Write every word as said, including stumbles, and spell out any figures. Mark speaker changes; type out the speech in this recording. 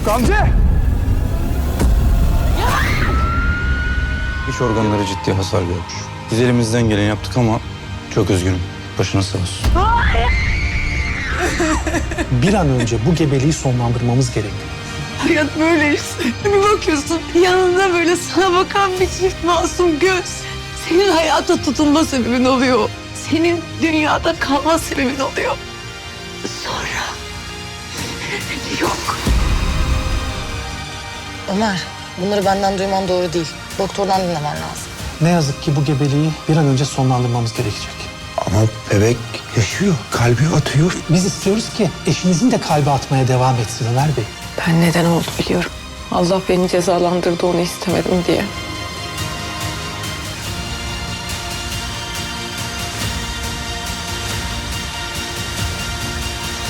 Speaker 1: Gamze!
Speaker 2: İç organları ciddi hasar görmüş. Biz elimizden geleni yaptık ama çok üzgünüm. Başına sağ olsun.
Speaker 3: Bir an önce bu gebeliği sonlandırmamız gerekiyor.
Speaker 4: Hayat böyle işte. Bir bakıyorsun yanında böyle sana bakan bir çift masum göz. Senin hayata tutunma sebebin oluyor. Senin dünyada kalma sebebin oluyor. Sonra yok.
Speaker 5: Ömer, bunları benden duyman doğru değil. Doktordan dinlemen lazım.
Speaker 3: Ne yazık ki bu gebeliği bir an önce sonlandırmamız gerekecek.
Speaker 1: Ama bebek yaşıyor, kalbi atıyor.
Speaker 3: Biz istiyoruz ki eşinizin de kalbi atmaya devam etsin Ömer Bey.
Speaker 4: Ben neden oldu biliyorum. Allah beni cezalandırdı onu istemedim diye.